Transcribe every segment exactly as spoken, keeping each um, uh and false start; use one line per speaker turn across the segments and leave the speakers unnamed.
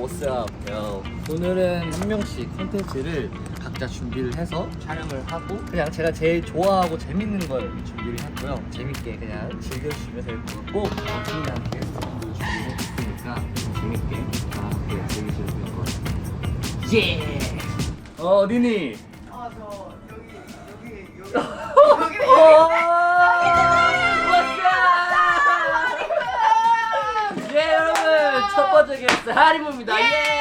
what's up, yo. 오늘은 한 명씩 콘텐츠를 각자 준비를 해서 촬영을 하고 그냥 제가 제일 좋아하고 재밌는 걸 준비를 했고요. 재밌게 그냥 즐겨주시면 될 것 같고 중요한 게스트분들 준비했으니까 재밌게 다 함께 즐기시면 될 것 같아요. 예! 어, 어디니?
아, 저 여기 여기 여기
여기 예, 여러분 첫 번째 게스트 하리무입니다. 예!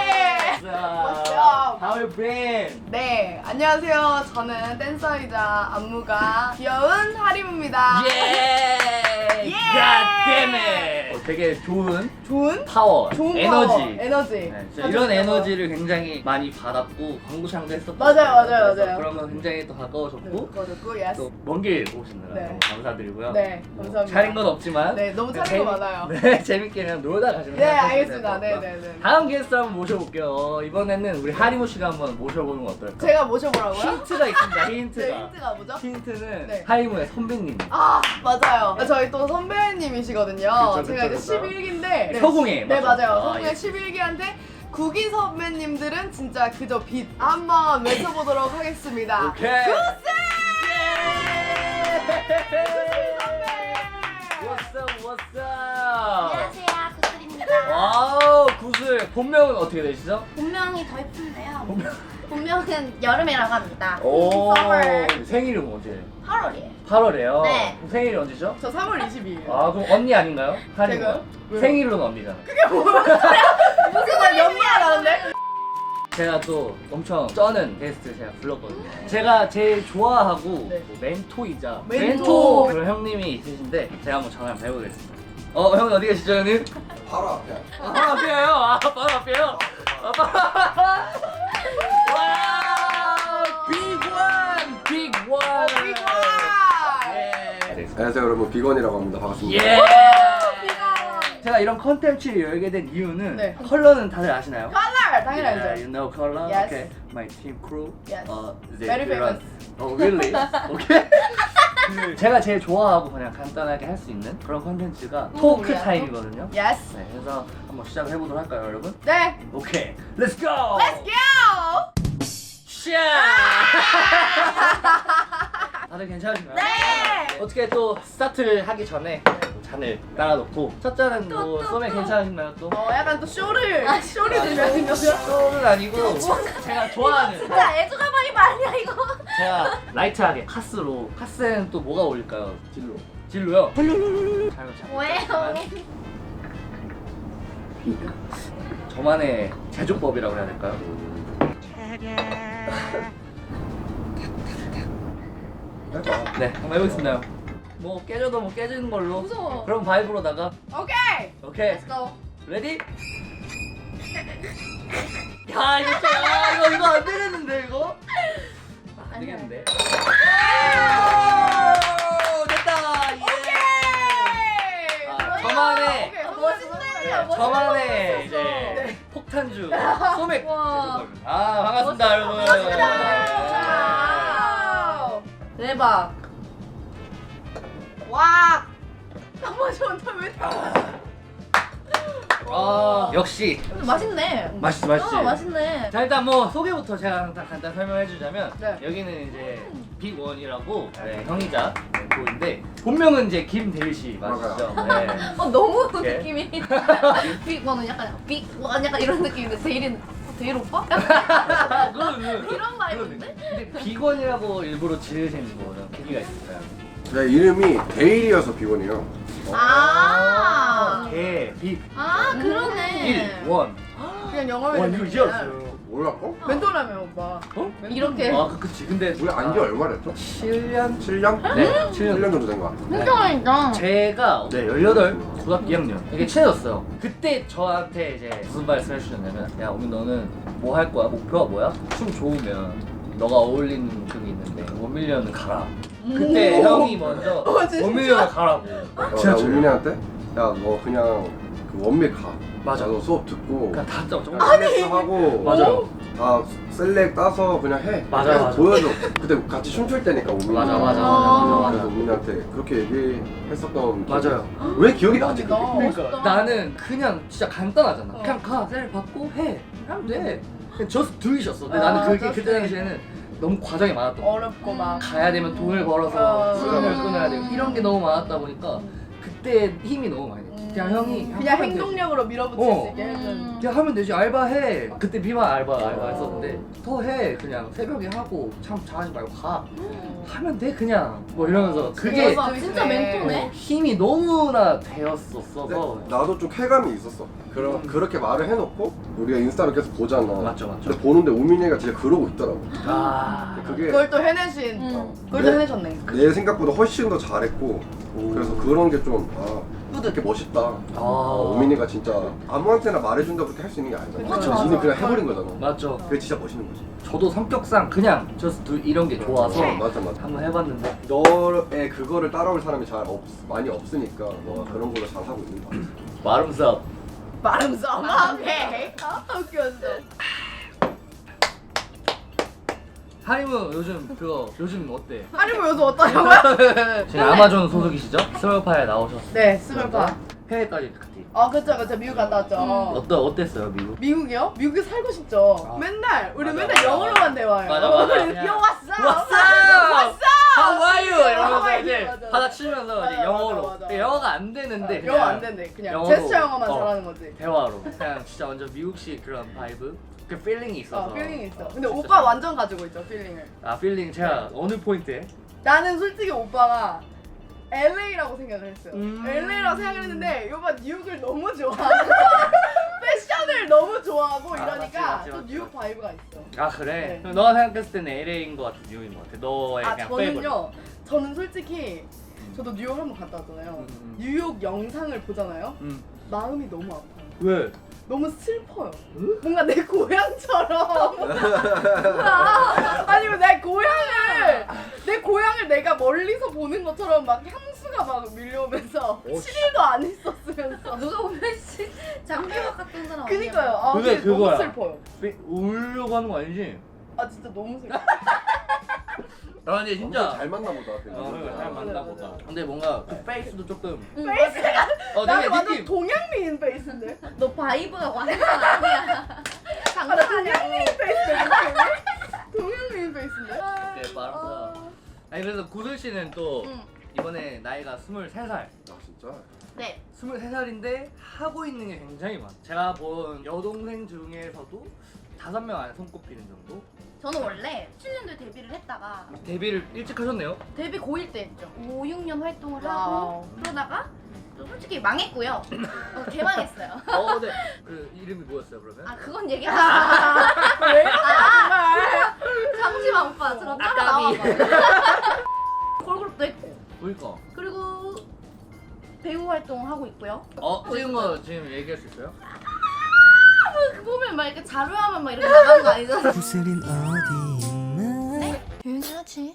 How you been?
네, 안녕하세요. 저는 댄서이자 안무가 귀여운 하림입니다.
예!
예!
God damn it! 어, 되게 좋은
좋은
파워,
좋은
에너지.
파워, 에너지.
네, 진짜 이런 에너지를 굉장히 많이 받았고 광고창도 했었고
맞아요, 맞아요, 맞아요.
그러면 굉장히 또 가까워졌고
그거였고, 예스.
또 먼 길 오시느라
네.
너무 감사드리고요.
네,
뭐
감사합니다.
차린 건 없지만
네, 너무
그냥
차린 거
재미-
많아요.
네, 재밌게 그냥 놀다 가시면
네,
될것
알겠습니다.
같고요.
네, 네, 네.
다음 게스트 한번 모셔볼게요. 어, 이번에는 우리 하리무 씨가 한번 모셔보는 건 어떨까요?
제가 모셔보라고요?
힌트가 있습니다. 힌트가.
네, 힌트가 뭐죠?
힌트는
네.
하리무의 선배님.
아, 맞아요. 저희 또 선배님이시거든요.
그쵸,
제가
그쵸,
이제
그쵸.
십일 기인데
서공예,
네,
맞죠?
맞아요.
아,
서공예
예.
십일 기한테 구기 선배님들은 진짜 그저 빛. 한번 외쳐보도록 하겠습니다.
오케이. What's up, what's up?
안녕하세요, 구슬입니다.
와우, 구슬. 본명은 어떻게 되시죠?
본명이 더 예쁜데요. 본명은 여름이라고 합니다.
오,
Summer.
생일은 언제?
팔월이에요.
팔월에요.
네.
생일이 언제죠?
저 삼월 이십이일.
아, 그럼 언니 아닌가요? 하리무가?
제가요? 왜요?
생일은 언니잖아.
무슨 말 연기가 나는데?
제가 또 엄청 쩌는 게스트 제가 불렀거든요. 제가 제일 좋아하고
네.
뭐 멘토이자
멘토.
멘토 그런 형님이 있으신데 제가 한번 전화 한번 해보겠습니다. 어, 형은 어디 계시죠, 형님?
바로 앞에.
아, 바로 앞이에요. 아, 바로 앞이에요. 아, 바로 와, 빅원, 빅원.
빅원.
예.
안녕하세요 여러분, 비건이라고 합니다. 반갑습니다.
예. 제가 이런 컨텐츠를 열게 된 이유는
네.
컬러는 다들 아시나요?
컬러 당연히
Yeah,
알죠.
you know color?
Yes.
Okay. My team crew.
Yes.
Uh, they
Very
run-
famous.
Oh, really? Okay. 그 제가 제일 좋아하고 그냥 간단하게 할 수 있는 그런 컨텐츠가 토크
우리야,
타임이거든요.
Yes.
네, 그래서 한번 시작을 해보도록 할까요, 여러분?
네.
오케이, Let's go.
Let's go.
샤. 다들 괜찮으신가요?
네.
어떻게 또 스타트를 하기 전에 잔을 따라놓고 첫 잔은 뭐 썸에 괜찮으신가요 또?
어, 약간 또 쇼를
아,
쇼를
아,
들려는 거죠?
쇼는 아니고 제가 좋아하는
진짜 애주가방이 말이야 이거.
제가 라이트하게 카스로 카스에는 또 뭐가 어울릴까요? 진로 진로요? 잘 잘.
뭐예요?
저만의 제조법이라고 해야 될까요?
해봐.
네 한번 해보겠습니다. 뭐 깨져도 뭐 깨지는 걸로.
무서워.
그럼 바이브로다가
오케이.
오케이
Let's go.
레디? 야 이거 진짜 야, 이거 이거 안 되겠는데 이거? 아, 안 되겠는데? 오, 됐다 예.
오케이.
아, 저만의
오케이.
아, 멋있네.
멋있네.
네, 저만의
멋있어.
이제
네.
폭탄주 소맥
와.
제조법입니다. 아 반갑습니다 여러분.
와우. 대박. 와. 한번 저한테
아 역시
맛있네.
맛있지 맛있지.
어, 맛있네.
자 일단 뭐 소개부터 제가 간단, 간단 설명해주자면
네.
여기는 이제 빅원이라고 네, 형이자 멘토인데 본명은 이제 김대일 씨 맞으시죠? 네.
어 너무
오케이.
느낌이. 빅원은 약간 빅원 약간 이런 느낌인데 데일은 데일 오빠?
그거는
이런 바이브인데?
근데 빅원이라고 일부러 지으신 거는 계기가 있을까요?
제 이름이 데일이어서 비건이에요.
아.
개, 빅,
아 그러네.
일, 원.
그냥 영어로
원유지였어요.
몰랐고?
멘토라며 오빠.
어?
이렇게.
아 그- 그치 근데
우리 안지 얼마랬죠?
칠 년?
칠 년?
네, 칠 년.
칠 년 정도 된 거 같아.
진짜
제가 네, 열여덟 고등학교 이 학년 되게 친해졌어요. 그때 저한테 이제 무슨 말씀 해주셨냐면 야 오민 너는 뭐 할 거야? 목표가 뭐야? 춤 좋으면 너가 어울리는 곡이 있는데 원밀리언은 가라. 그때 형이 먼저
어, 진짜?
원밀리언을 가라고.
어, 나 우민이한테 야 너 그냥 그 원밀 가.
맞아.
나도 수업 듣고
그냥 다 짜고
클래스 하고
맞아.
다 셀렉 따서 그냥 해.
맞아,
계속
맞아.
보여줘. 그때 같이 춤출 때니까 우민이.
맞아 맞아
아.
맞아
그래서
맞아.
우민이한테 그렇게 얘기했었던. 기억이
맞아요.
있어. 왜 기억이 나지 그게?
대박이다.
그러니까
멋있다.
나는 그냥 진짜 간단하잖아.
어.
그냥 가, 셀 받고 해. 하면 돼. 그냥 just do it이었어. 근데
아,
나는 그게
just
그때
do
당시에는 너무 과정이 많았던 거야.
어렵고 막.
가야 되면 돈을
어.
벌어서 수강을
음.
끊어야 되고 이런 게 너무 많았다 보니까 그때 힘이 너무 많이 돼. 그냥 형이
그냥
하면 되지.
행동력으로 밀어붙일
어.
수 있게 해준.
그냥 하면 되지. 알바해. 그때 비만 알바 알바
어.
했었는데 더 해. 그냥 새벽에 하고 참 잘하지 말고 가. 하면 돼 그냥. 뭐 이러면서 그게
진짜
진짜 멘토네.
힘이 너무나 되었었어서.
근데 나도 좀 쾌감이 있었어. 그러, 그렇게 말을 해놓고 우리가 인스타를 계속 보잖아.
맞죠, 맞죠.
근데 보는데 우민이가 진짜 그러고 있더라고.
아
그게
그걸 또 해내신.
음.
어, 그걸 또
네.
해내셨네.
내 생각보다 훨씬 더 잘했고 그래서 그런 게 좀 아, 뿌듯해 멋있다.
아.
어, 우민이가 진짜 아무한테나 말해준다고 그렇게 할 수 있는 게 아니잖아.
그쵸,
지는
맞아.
그냥 해버린 거잖아.
맞죠.
그게 진짜 멋있는 거지.
저도 성격상 그냥 just do 이런 게 좋아서
어, 맞아 맞아.
한번 해봤는데
너의 그거를 따라올 사람이 잘 없, 많이 없으니까 너가 그런 걸로 잘 하고 있는 거 같아.
마름삽.
말음 썸하게. 아 웃겼어.
하림은 요즘 그거 요즘 어때?
아니 뭐 요즘 어떠냐고요?
지금 아마존 소속이시죠? 스몰파에 나오셨어요.
네, 스몰파.
해외까지 갔지.
아 그쵸 그쵸 미국 갔다 왔죠.
어떠 어땠어요 미국?
미국이요? 미국에 살고 싶죠.
아.
맨날 우리
맞아,
맨날
맞아.
영어로만 대화해요.
맞아, 맞아. 그냥
요 왔어.
What's up?
왔어.
How are you? 이러면서
How are
이제
you? 맞아.
바닥 치면서
맞아,
이제 영어로.
맞아, 맞아.
영어가 안 되는데
영어
그냥
안 된대. 그냥
영어로.
제스처 영어만
어.
잘하는 거지.
대화로. 그냥 진짜 완전 미국식 그런 바이브. 그 필링이 있어서.
어, 필링이 있어. 근데
진짜
오빠
좋아.
완전 가지고 있죠 필링을.
아 필링 제가 어느 포인트에?
나는 솔직히 오빠가 엘에이라고 생각을 했어요.
음.
엘에이라고 생각을 했는데 오빠 뉴욕을 너무 좋아하고 패션을 너무 좋아하고
아,
이러니까
맞지, 맞지,
또
맞지.
뉴욕 바이브가 있어.
아 그래?
네.
그럼 너가 생각했을 때는 엘에이인 것 같아, 뉴욕인 것 같아. 너의
아
그냥 페이버릿.
저는요. 저는 솔직히 저도 뉴욕 한번 갔다 왔잖아요.
음, 음.
뉴욕 영상을 보잖아요.
음.
마음이 너무 아파요.
왜?
너무 슬퍼요.
응?
뭔가 내 고향처럼. 뭐야? 아니 내 고향을 내 고향을 내가 멀리서 보는 것처럼 막 향수가 막 밀려오면서
오,
칠 일도 안 있었으면서.
누가 보면 씨 장기박 같은 사람.
그니까요. 아,
그게
근데 너무
그거야.
슬퍼요.
삐- 울려고 하는 거 아니지?
아 진짜 너무 슬퍼.
아 근데
엄청
진짜
잘 만나 보다.
어, 그래, 잘
맞아,
만나
맞아.
보다. 근데 뭔가 그 페이스도 조금
페이스가
어
나는
되게
완전
느낌
동양미인 페이스인데.
너 바이브가 완전 아니야.
아, 나 동양미인 페이스인데. 동양미인 페이스인데.
네, 말아서. 아니 그래서 구슬 씨는 또
응.
이번에 나이가 스물세 살
아 진짜?
네.
스물세 살인데 하고 있는 게 굉장히 많아. 제가 본 여동생 중에서도 다섯 명 안에 손꼽히는 정도?
저는 원래 십칠 년도에 데뷔를 했다가
데뷔를 일찍 하셨네요?
데뷔 고일 때 했죠. 오, 육 년 활동을
와우.
하고 그러다가 또 솔직히 망했고요. 어, 개망했어요.
어, 네. 그 이름이 뭐였어요 그러면?
아 그건 얘기하지 마.
왜? 정말.
잠시만 오빠 잠깐 따라
아까비.
나와봐. 걸그룹도 했고
그니까.
그리고 배우 활동을 하고 있고요.
어? 찍은 거 지금 얘기할 수 있어요?
그 보면 막 이렇게 자료하면 막 이렇게 나가는 거 아니잖아.
구슬은 어디 있나?
네? 유행하지.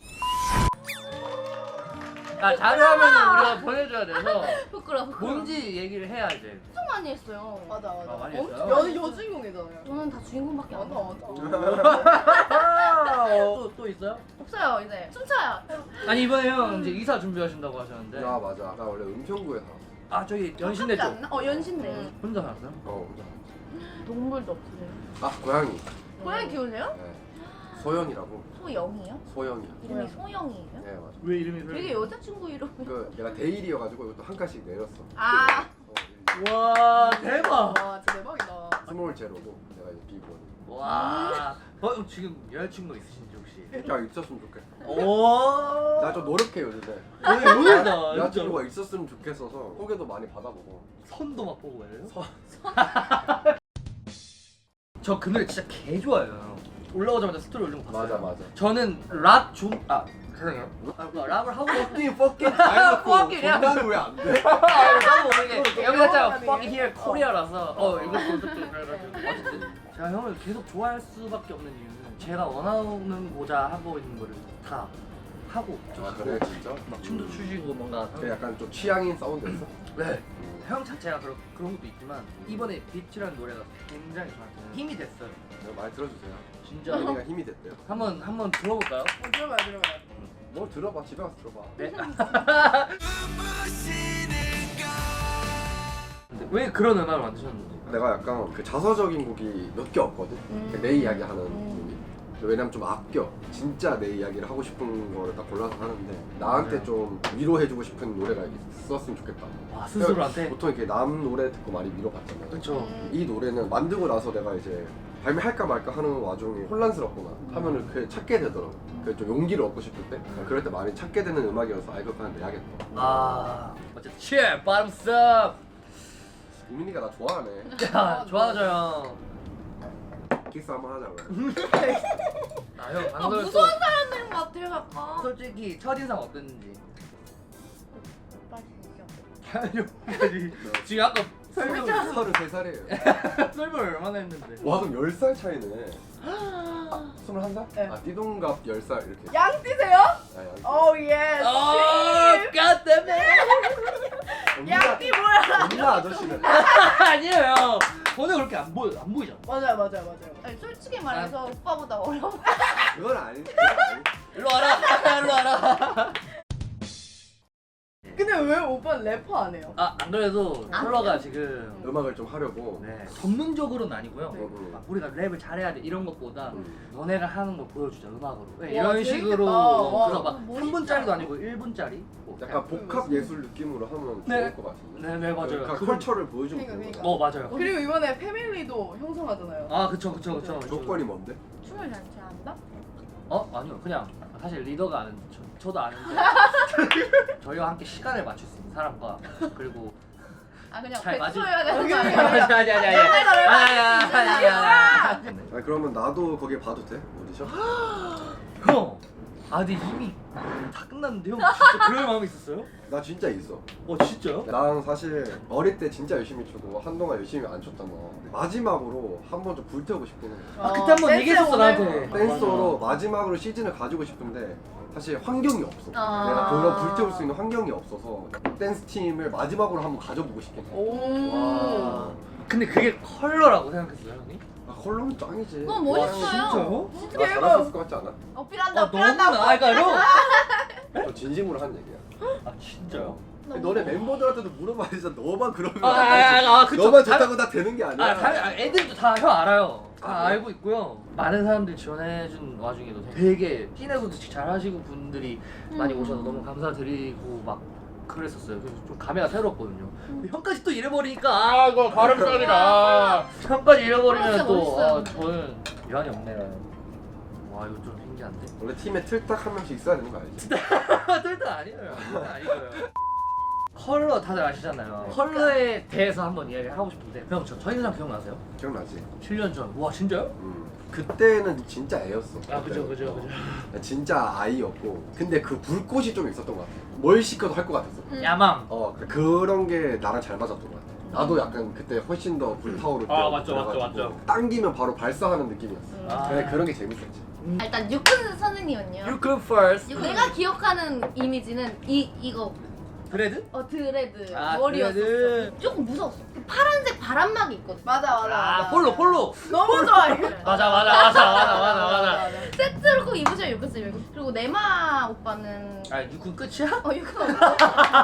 아 자료하면 우리가 보내줘야 돼서
부끄러워. 부끄러워.
뭔지 얘기를 해야 돼.
엄청 많이 했어요.
맞아 맞아.
아, 많이
엄청
했어요?
여 여주인공이잖아요.
저는 다 주인공밖에 안
맞아
해요.
맞아.
또, 또 있어요?
없어요 이제 춤춰요.
아니 이번에 형 이제 이사 준비하신다고 하셨는데
야 맞아. 나 원래 은평구에 살았어.
아 저기 연신내
가깝지
쪽
않나? 어 연신내.
음, 혼자 살았어요?
어 혼자.
동물도 없으세요.
아 고양이.
고양이 키우세요?
네. 소영이라고.
소영이요?
소영이야.
이름이 소영이에요?
네 맞아.
왜 이름이
되게 여자친구 이름.
그 내가 데일이어가지고 이것도 한 칸씩 내렸어.
아
어,
와 대박
와 진짜 대박이다.
스몰 제로고 내가 이제 비번.
와 어, 지금 여자친구 있으신지 혹시?
야 있었으면 좋겠어.
오
나 좀 노력해 요즘에.
오늘 의외다
여자친구가 있었으면 좋겠어서 소개도 많이 받아보고.
선도 막 보고 그래요?
선.
저 그 노래 진짜 개 좋아해요. 올라오자마자 스토리 올린 거 봤어요.
맞아 맞아.
저는 락 중.. 아 죄송해요. 아, 뭐 락을 하고
fucking fucking
fucking이야.
정답은 왜안 돼?
하고 모르게 여기 살짝
영어가
fuck
아니에요?
here 코리아라서 어 이거 콘셉트 그래가지고 어쨌든 제가 형을 계속 좋아할 수밖에 없는 이유는 제가 원하는고자 하고 있는 거를 다 하고 좀
아
하고
그래 진짜?
막 춤도 추시고 뭔가
그 약간 좀 취향인 사운드였어?
네.
음.
형 자체가 그런 그런 것도 있지만 이번에 빛이라는 노래가 굉장히 저한테는 힘이 됐어요.
네, 많이 들어주세요.
진짜.
혜민이가 힘이 됐대요.
한번 한번 들어볼까요?
어, 들어봐요 들어봐요.
뭘 들어봐, 집에 가서 들어봐.
네. 근데 왜 그런 음악을 만드셨는지?
내가 약간 그 자서적인 곡이 몇 개 없거든.
음.
내 이야기 하는
음.
곡이. 왜냐면 좀 아껴. 진짜 내 이야기를 하고 싶은 거를 딱 골라서 하는데 나한테
맞아요.
좀 위로해주고 싶은 노래가 있었으면 좋겠다.
와 스스로한테.
보통 이렇게 남 노래 듣고 많이 위로받잖아요.
그렇죠.
음.
이 노래는 만들고 나서 내가 이제 발매할까 말까 하는 와중에 혼란스럽거나 하면은 그 찾게 되더라고. 그 좀 용기를 얻고 싶을 때 그럴 때 많이 찾게 되는 음악이어서 아 이거 그냥 내야겠다.
아 어쨌든 cheer bottoms up.
우민이가 나 좋아하네.
야 좋아져요.
키스 한번 하자고요.
아형
아,
방금
무서운 사람들인 것 같아요 약간.
솔직히 첫인상 어땠는지.
오빠 진짜.
아니요. 지금 아까 설명
서른세 살이에요.
설명을 얼마나 했는데.
와 그럼 열 살 차이네. 아, 스물한 살?
네.
아 띠동갑 열 살 이렇게.
양띠세요?
아, 양.
오 예스.
어, God damn it.
양띠 뭐야?
엄마 아저씨는.
아니에요. 오늘 그렇게 안 보여 안 보이잖아.
맞아요 맞아요 맞아요.
아니, 솔직히 말해서 오빠보다 어려워.
그건 아니. 그건 아니.
일로 와라. 일로 와라.
근데 왜 오빠 래퍼 안 해요?
아 안 그래도
안
컬러가 지금
음악을 좀 하려고.
네 전문적으로는 아니고요.
네.
음,
막 우리가 랩을 잘해야 돼 이런 것보다
음.
너네가 하는 걸 보여주자 음악으로. 네,
와,
이런
재밌겠다.
식으로
와,
그래서 막
멋있다.
삼 분짜리도 아니고 일 분짜리. 뭐
약간 복합 예술 느낌으로 하면
네.
좋을 것 같은데.
네네 맞아요.
그러니까
그건-
컬처를 보여주면
그러니까,
되는
그러니까.
거야.
어 맞아요.
그리고 이번에 패밀리도 형성하잖아요.
아 그쵸 그쵸 그쵸.
조건이 뭔데?
춤을 잘 잘한다?
어 아니요 그냥 사실 리더가 아는 저, 저도 아는데 저희와 함께 시간을 맞출 수 있는 사람과 그리고
아 그냥
잘 맞을-
배추여야 되는 거
아니
아니야?
아니 아니 아니 아니 아니 아니
아 그러면 나도 거기에 봐도 돼? 오디션?
형! 아 근데 이미 다 끝났는데 형 진짜 그럴 마음이 있었어요?
나 진짜 있어.
어 진짜요?
난 사실 어릴 때 진짜 열심히 추고 한동안 열심히 안 췄잖아. 마지막으로 한 번 좀 불태우고 싶긴 해.
아 그때 한 번
댄스
얘기했었어
오늘-
나한테
댄서로 마지막으로 시즌을 가지고 싶은데 사실 환경이 없어.
아.
내가 그런 불태울 수 있는 환경이 없어서 댄스 팀을 마지막으로 한번 가져보고 싶긴 해.
오.
와 근데 그게 컬러라고 생각했어요 형이?
아 컬러는 짱이지.
너무 멋있어요.
진짜요?
나 잘했을 것 같지 않아?
어필한다
아 너무
어필한다.
나 그러니까 형!
저 진심으로 한 얘기야.
아 진짜요?
너네 멤버들한테도 물어봐야 지 너만 그러면
아, 아, 아, 아, 그쵸.
너만
다-
좋다고 다 되는 게 아니야.
아, 다, 아 애들도 다 형 알아요. 다
아, 그래?
알고 있고요. 많은 사람들이 지원해준 와중에도 되게 씬에서도 잘 하시고 분들이 많이
음.
오셔서 너무 감사드리고 막 그랬었어요. 그래서 좀 감회가 새롭거든요. 형까지 또 잃어버리니까 아 이거 발음상이다. 형까지 잃어버리면
진짜
또
멋있어요,
아,
근데.
저는 유한이 없네요. 와 이거 좀 신기한데?
원래 팀에 틀딱 한 명씩 있어야 되는 거 알지?
절대 아니에요. 아니고요. 컬러 다들 아시잖아요. 컬러에 대해서 한번 이야기를 하고 싶은데 형 저 첫인상 기억나세요?
기억나지?
칠 년 전. 와 진짜요?
음. 그때는 진짜 애였어.
아 그죠
그때는.
그죠 그죠.
어, 진짜 아이였고 근데 그 불꽃이 좀 있었던 것 같아. 뭘 시켜도 할 것 같았어.
음.
야망.
어 그런 게 나랑 잘 맞았던 것 같아. 나도 약간 그때 훨씬 더 불타오를 때
아, 맞죠, 맞죠, 맞죠.
당기면 바로 발사하는 느낌이었어.
아.
그래, 그런 게 재밌었지.
아, 일단 유큰 선생님은요.
You cook first.
내가 기억하는 이미지는 이 이거
브레드?
어 드레드
아,
머리였었어.
드레드.
조금 무서웠어. 그 파란색 바람막이 있거든.
맞아 맞아.
아
맞아.
폴로 폴로.
너무 좋아해.
맞아 맞아 맞아 맞아 맞아 맞아.
세트로 꼭 입으셔 유큰 쌤. 그리고 네마 오빠는
아 유쿠 끝이야?
어 유큰 오빠.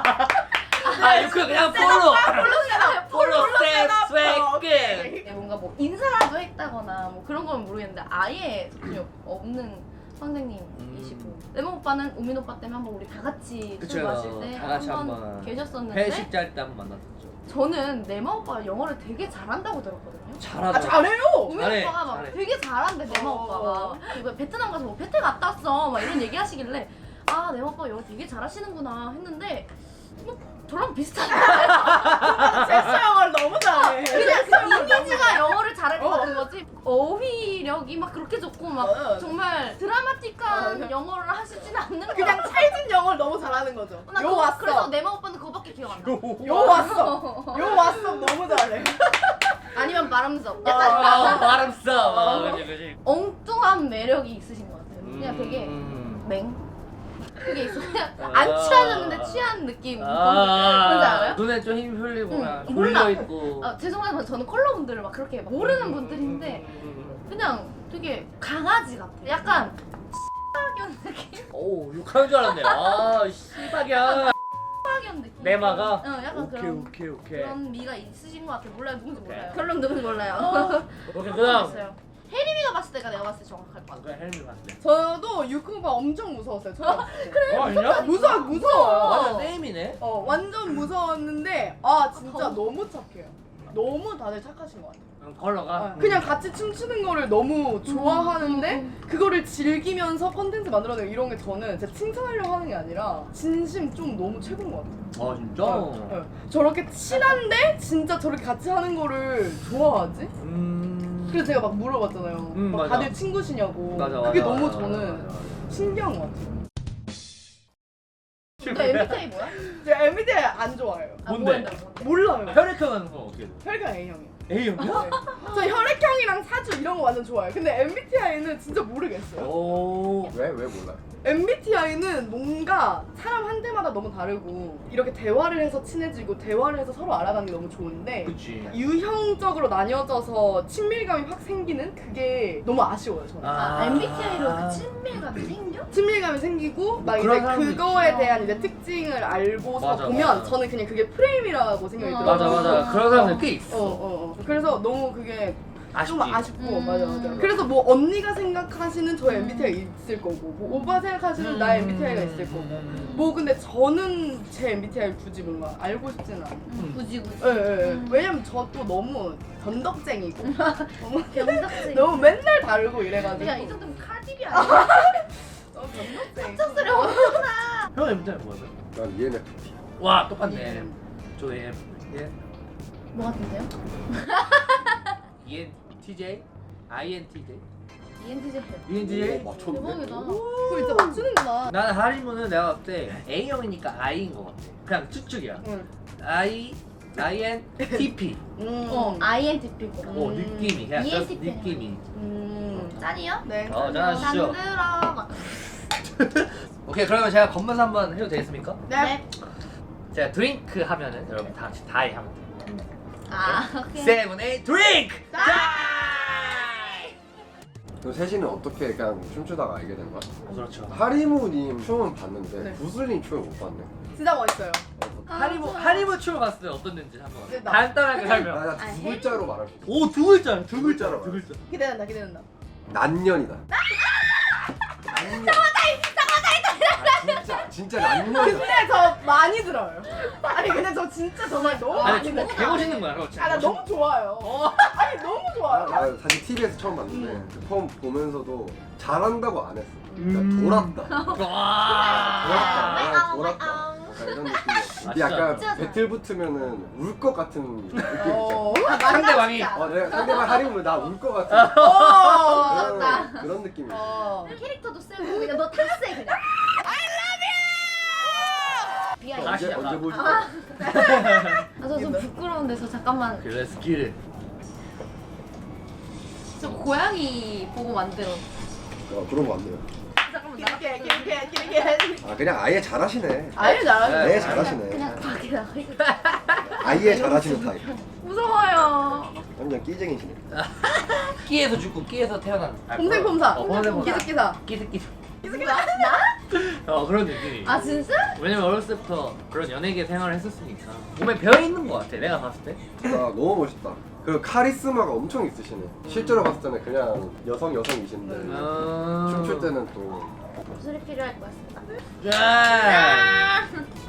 아 유쿠 그냥 폴로.
폴로세라
폴로 셋
오케이.
셋.
뭔가 뭐 인사라도 했다거나 뭐 그런 건 모르겠는데 아예 전혀 없는 선생님이시고 레몬 오빠는 우민 오빠 때문에 한번 우리 다 같이 술
그쵸.
마실 때
다 같이
한번
한번
계셨었는데
회식 짤 때 한번 만났었죠.
저는 네마 오빠가 영어를 되게 잘한다고 들었거든요.
잘하죠.
아 잘해요.
우민
잘해,
오빠가 막
잘해.
되게 잘한대 네마
어.
오빠가 이거 베트남 가서 뭐 베트 갔다 왔어 막 이런 얘기 하시길래 아 네마 오빠 영어 되게 잘하시는구나 했는데 뭐 저랑 비슷한데
섹스 영어를 너무 잘해.
그냥 그 이미지가 영어를 잘할 것
어.
같은 거지 어휘력이 막 그렇게 좋고 막
어.
정말 드라마틱한
어.
영어를 하시진 않는 거야.
그냥 찰진 영어를 너무 잘하는 거죠.
나
요
그거-
왔어.
그래서 네마 오빠는 그거밖에 기억 안 나.
요 왔어. 요 왔어. 너무 잘해.
아니면 바람석.
아,
약간
아 바람 써. 아, 그지 그지.
엉뚱한 매력이 있으신 것 같아요. 그냥 되게
음.
맹. 그게 있어. 그냥 안 취하셨는데 취한 느낌. 뭔지
아,
알아요?
눈에 좀 힘 흘리고
응,
그냥
몰라.
졸려 있고.
아, 죄송하지만 저는 컬러분들을 막 그렇게 막 모르는 분들인데 그냥 되게 강아지 같아. 약간 X박연 느낌?
오, 욕하는 줄 알았네. 아, 씨박이야.
X박연 느낌.
내마가?
응, 약간
오케이,
그런
오케이, 오케이.
그런 미가 있으신 것 같아. 몰라요, 누군지
오케이.
몰라요. 결론 누군지 몰라요.
오케이, 그 다음.
모르겠어요. 혜림이가 봤을 때가 내가 봤을 때 정확할 것 같아.
그래, 헬미 봤을 때.
저도 유쿠바 엄청 무서웠어요. 처음 봤을 때.
그래? 어, 진짜?
무서워 무서워요.
완전 네임이네.
어 완전 무서웠는데 아 진짜
더-
너무 착해요. 너무 다들 착하신 것 같아요.
응, 컬러가.
어, 그냥 같이 춤추는 거를 너무 좋아하는데
음,
그거를 즐기면서 컨텐츠 만들어내고 이런 게 저는 진짜 칭찬하려고 하는 게 아니라 진심 좀 너무 최고인 것 같아요.
아, 진짜?
어, 어. 저렇게 친한데 진짜 저렇게 같이 하는 거를 좋아하지?
음.
그래서 제가 막 물어봤잖아요.
음,
막
맞아.
다들 친구시냐고.
맞아,
그게
맞아,
너무
맞아,
저는
맞아, 맞아.
신기한 것 같아요.
근데 엠비티아이 뭐야?
제가 엠비티아이 안 좋아해요.
아,
뭔데?
뭔데, 뭔데?
몰라요.
혈액형은 건 어떻게 돼?
혈액형 A형이요.
A형이야?
네. 저 혈액형이랑 사주 이런 거 완전 좋아해요. 근데 엠비티아이는 진짜 모르겠어요.
오.
왜? 왜 몰라요?
엠비티아이는 뭔가 사람 한 대마다 너무 다르고 이렇게 대화를 해서 친해지고 대화를 해서 서로 알아가는 게 너무 좋은데
그치.
유형적으로 나뉘어져서 친밀감이 확 생기는 그게 너무 아쉬워요 저는.
아, 엠비티아이로 그 친밀감이 생겨?
친밀감이 생기고 막
그런
이제
사람도
그거에
있지.
대한 이제 특징을 알고서
맞아,
보면
맞아.
저는 그냥 그게 프레임이라고 생각이
어.
들어요.
맞아, 맞아. 그런 사람들 꽤
어,
있어.
어, 어. 그래서 너무 그게
아쉽지.
좀 아쉽고
음.
맞아 맞아. 그래서 뭐 언니가 생각하시는 저의 엠비티아이가 있을 거고 뭐 오빠 생각하시는
음.
나의 엠비티아이가 있을 거고
음.
뭐 근데 저는 제 엠비티아이를 굳이 뭔가 알고 싶지는 않아요.
음, 굳이 굳이.
예, 예, 예.
음.
왜냐면 저 또 너무 변덕쟁이고 너무,
병작생.
너무 맨날 다르고 이래가지고
야, 이 정도면 카디비 아니야?
너무 변덕쟁이.
쳤으려고.
형 엠비티아이 뭐야?
난 이엔에프피.
와, 똑같네.
음.
저 E N 예.
뭐 같은데요?
E N T J? I N T J?
이엔티제예요.
E N T J?
오, 맞췄네.
대박이다.
그거 진짜 맞추는구나.
나는 하리무는 내가 봤을 때 A형이니까 I인 것 같아. 그냥 쭉쭉이야.
응.
I, I N T P.
음.
어, 아이엔티피고.
오, 느낌이. 그냥
E N T
just
P.
느낌이.
음.
짠이요?
네.
어, 짠하시죠.
짠들어. 막.
오케이, 그러면 제가 검문서 한번 해도 되겠습니까?
네.
제가 드링크 하면은 여러분 다 같이 다이 하면 돼요.
아, 오케이.
세븐, 에잇, 드링크!
그 셋이는 어떻게 그냥 춤추다가 알게 된 거야?
그렇죠.
하리무님 춤은 봤는데
네.
구슬님 춤을 못 봤네.
진짜 멋있어요.
아,
하리무,
좋아.
하리무 춤을 봤을 때 어땠는지 한번
네, 나-
간단하게 설명.
나두
아니,
글자로 말할 수 있어.
오, 두 글자, 두
글자로
두 글자.
기대된다, 기대된다.
난년이다. 난년. 아, 진짜 진짜 난년이다.
근데 저 많이 들어요. 아니 근데 저 진짜 정말 너무
아니,
많이
정말
들어요.
개 멋있는 거야, 그렇지?
아 나 너무 좋아요.
어.
아니 너무
나,
좋아요.
나 사실 티비에서 처음 봤는데 그 처음 보면서도 잘한다고 안 했어. 그러니까
음.
돌았다.
와.
돌았다.
아,
돌았다.
아.
약간 이런 느낌이었어. 근데
아, 진짜?
약간
진짜
배틀 붙으면은 울 것 같은 느낌 있잖아.
어.
상대방이.
어, 내가 상대방 하리면 나 울 것 같은
어.
그런, 그런 느낌이 있어.
어.
캐릭터도 세고 그냥 너 탔세 그냥. I love you. 비하인드.
다시
언제
약간-
언제 보여줄까?
아, 저 좀 부끄러운데 저 잠깐만.
그래, 스킬.
저 고양이 보고 만들어.
어, 그런 거 안 돼요.
잠깐만 나.
기르게 기르게 기르게.
아 그냥 아예 잘하시네.
아유 잘하네.
아예
네,
잘하시네.
그냥 밖에 나가 있어.
아예 잘하시는 타입.
무서워요.
완전 끼쟁이시네.
끼에서 죽고 끼에서 태어난. 아,
봄생폼사.
어, 봄생폼사.
기습기사.
끼스끼스.
나? 나?
어, 그런 느낌이.
아 진짜?
왜냐면 어렸을 때부터 그런 연예계 생활을 했었으니까 몸에 배어 있는 것 같아. 내가 봤을 때.
아 너무 멋있다. 그리고 카리스마가 엄청 있으시네. 실제로 봤을 때는 그냥 여성 여성이신데
음...
춤출 때는 또
술이 필요할 것 같습니다.
짠.